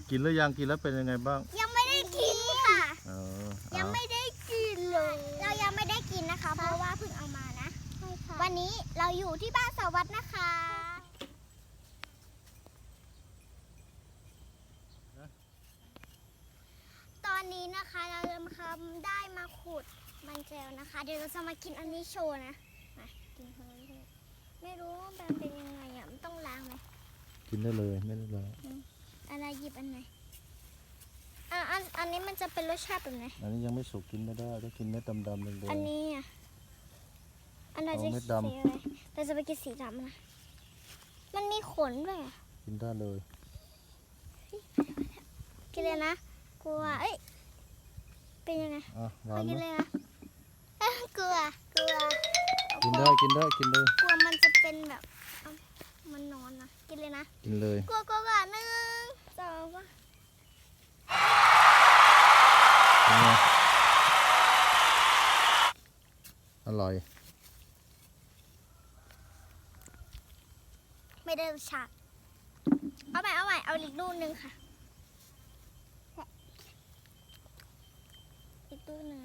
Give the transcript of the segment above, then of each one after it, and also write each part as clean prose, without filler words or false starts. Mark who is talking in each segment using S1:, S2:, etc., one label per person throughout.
S1: กินหรือยังกินแล้วเป็นยังไงบ้าง
S2: ยังไม่ได้กินค่ะ
S1: ยัง
S2: ไม่ได้กินเลยเรายังไม่ได้กินนะคะเพราะว่าเพิ่งเอามานะวันนี้เราอยู่ที่บ้านสวัสดิ์นะคะตอนนี้นะคะเราได้มาขุดมันแจวนะคะเดี๋ยวเราจะมากินอันนี้โชว์นะมากินคนนี้ไม่รู้ว่ามันเป็นยังไงอ่ะมันต้องล้างไหม
S1: กินได้เลยไม่ได้เลย
S2: อะไรหยิบอันไหนอันนี้มันจะเป็นรสชาติแบบไหน
S1: อันนี้ยังไม่สุกกินไม่ได้ต้องกินเม็ดดำๆเลย
S2: อันนี้อ่ะอันไหนจะสีอะไรเราจะไปกินสีดำนะมันมีขนด้วย
S1: กินได้เลย
S2: กินเลยนะกลัวเอ้ยเป็นยังไง
S1: ไม่
S2: กินเลยนะกลัว
S1: กินได้กินเลย
S2: กลัวมันจะเป็นแบบมันนอนนะกินเลยนะ
S1: กินเลย
S2: กลัว1 2 ว่า
S1: อร่อย
S2: ไม่ได้รสชาติเอาใหม่เอาอีกลูกนึงค่ะอีกลูกนึง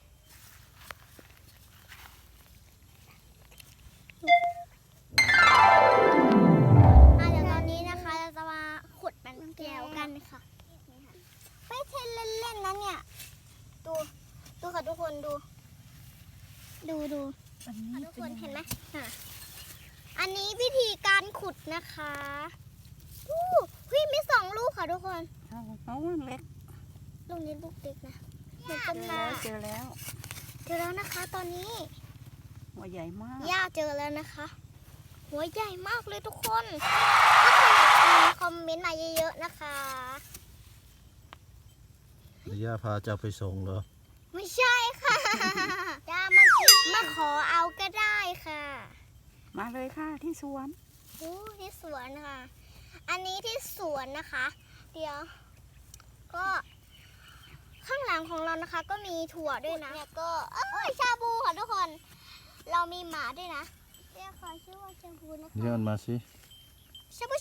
S2: เดี๋ยวตอนนี้นะคะเราจะมาขุดมันแก้วกันค่ะไม่ใช่เล่นๆนะเนี่ยดูค่ะทุกคนดูทุกคนเห็นไหมอันนี้วิธีการขุดนะคะพี่มี2 ลูกค่ะทุกคน
S3: เอาเล็ก
S2: ลูกนี้ลูกเล็กนะ
S3: เจอแล้ว
S2: นะคะตอนนี้
S3: หัวใหญ่มาก
S2: ย่าเจอแล้วนะคะหัวใหญ่มากเลยทุกคนถ้าใครอยากมีคอมเมนต์มาเยอะๆนะคะ
S1: ย่าพาจะไปส่งเหรอ
S2: ไม่ใช่ค่ะย่ามาขอเอาก็ได้ค่ะ
S3: มาเลยค่ะที่สวน
S2: ที่สวนค่ะอันนี้ที่สวนนะคะเดี๋ยวก็ข้างหลังของเรานะคะก็มีถั่วด้วยนะแล้วก็ชาบูค่ะทุกคนเรามีหมาด้วยนะเรียกเขาชื่อว่าชาบูนะคะ
S1: เรียกมันมาสิ
S2: ชาบู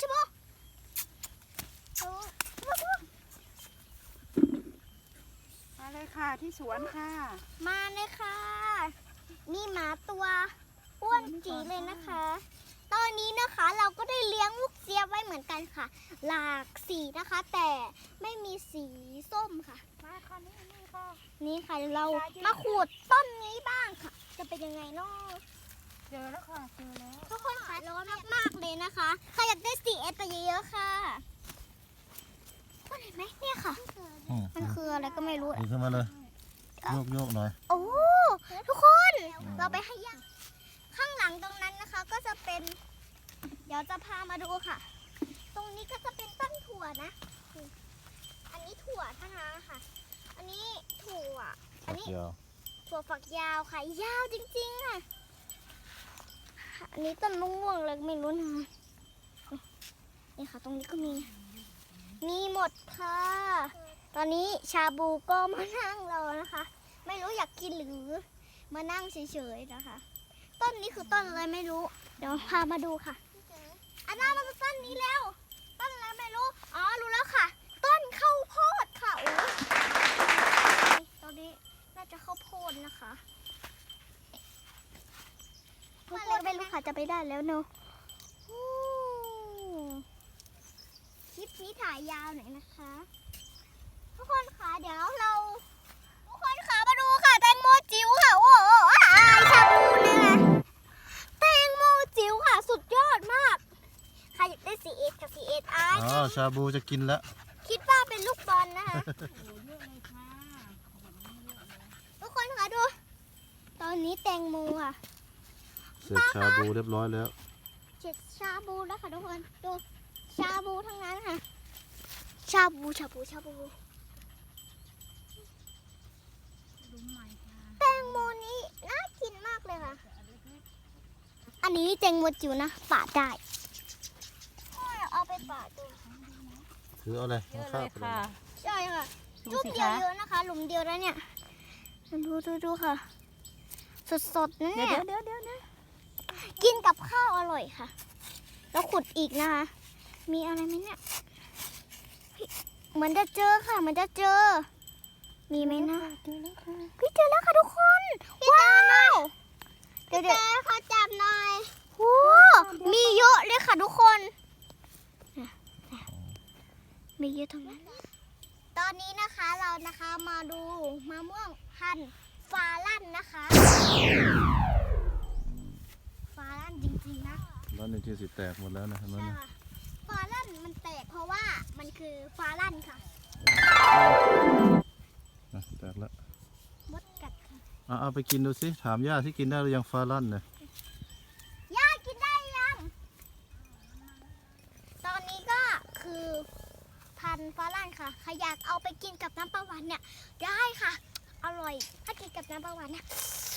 S3: มาเลยค่ะที่สวนค่ะ
S2: มาเลยค่ะมีหมาตัวอ้วนจีเลยนะคะตอนนี้นะคะเราก็ได้เลี้ยงลูกเจี๊ยบไว้เหมือนกันค่ะหลากสีนะคะแต่ไม่มีสีส้มค่ะ
S3: มาค่ะนี่ค่ะ
S2: นี่ค่ะเรามาขูดต้นนี้บ้างค่ะจะเป็นยังไงเนาะ
S3: เจอแล้วค่ะเจอแล้ว
S2: ทุกคนค่ะร้อนมากๆเลยนะคะใครอยากได้4S ไปเยอะๆค่ะเห็นไหมเนี่ยค่ะมันคืออะไรก็ไม่รู้
S1: ดีขึ้นมาเลยโยกหน่อย
S2: โอ้ทุกคนเราไปให้ย่างข้างหลังตรงนั้นนะคะก็จะเป็นเดี๋ยวจะพามาดูค่ะตรงนี้ก็จะเป็นต้นถั่วนะอันนี้ถั่วท่านาค่ะอันนี้ถั่วอันนี้ถั่วฝักยาวค่ะยาวจริงๆค่ะอันนี้ต้นมะม่วงเลยไม่รู้นะนี่ค่ะตรงนี้ก็มีหมดค่ะตอนนี้ชาบูก็มานั่งรอนะคะไม่รู้อยากกินหรือมานั่งเฉยๆนะคะต้นนี้คือต้นอะไรไม่รู้เดี๋ยวพามาดูค่ะอันนั้นมันต้นนี้แล้วต้นอะไรไม่รู้รู้แล้วค่ะต้นข้าวโพดค่ะตอนนี้น่าจะข้าวโพดนะคะข้าวโพดไม่รู้ค่ะจะไปได้แล้วเนาะคลิปนี้ถ่ายยาวหน่อยนะคะทุกคนค่ะเดี๋ยวเราทุกคนค่ะมาดูค่ะแตงโมจิ๋วค่ะโอ้ชาบูเนี่ยนะแตงโมจิ๋วค่ะสุดยอดมากใครอยากได้4Sกับ4S
S1: ชาบูจะกินแล้ว
S2: คิดว่าเป็นลูกบอลนะคะทุกคนค่ะดูตอนนี้แตงโมค่ะ
S1: เสร็จชาบูเรียบร้อยแล้ว
S2: เสร็จชาบูแล้วค่ะทุกคนดูชาบูทั้งนั้นค่ะชาบูแตงโมนี้น่ากินมากเลยค่ะอันนี้แตงโมจิ๋วนะปาดได้เอาไปปาดดู
S1: ถือเอาเลย
S3: ค่ะ
S2: ใช่ค่ะจุ่มเดียวเยอะนะคะหลุมเดียวแล้วเนี่ยดูค่ะสดๆนะเนี่ย
S3: เดี๋ยวนะ
S2: กินกับข้าวอร่อยค่ะแล้วขุดอีกนะคะมีอะไรไหมเนี่ยเหมือนจะเจอค่ะเหมือนจะเจอ มีไหมนะ
S3: เจอแล้วค่ะ
S2: พี่เจอแล้วค่ะทุกคนว้าวเดี๋ยวขอจับหน่อยโอ้มีเยอะเลยค่ะทุกคนมีเยอะทั้งนั้นตอนนี้นะคะเรานะคะมาดูมะม่วงพันธุ์ฟาลั่นนะคะฟาลั่นจริงๆนะ
S1: แล้วในที่สิแตกหมดแล้วนะเห็นไหม
S2: ใช่
S1: นะ
S2: ค่ะฟาลั่นมันแตกเพราะว่ามันคือฟาลั่นค่ะ
S1: อ่ะแตกแล้ว
S2: มดกัดค่ะ
S1: เอาไปกินดูสิถามย่าที่กินได้หรือยังฟาลั่นเนี่ย
S2: ย่ากินได้ยัง ตอนนี้ก็คือพันธุ์ฟาลั่นค่ะใครอยากเอาไปกินกับน้ำปลาหวานเนี่ยได้ค่ะ อร่อย ถ้ากินกับน้ำปลาหวานเนี่ย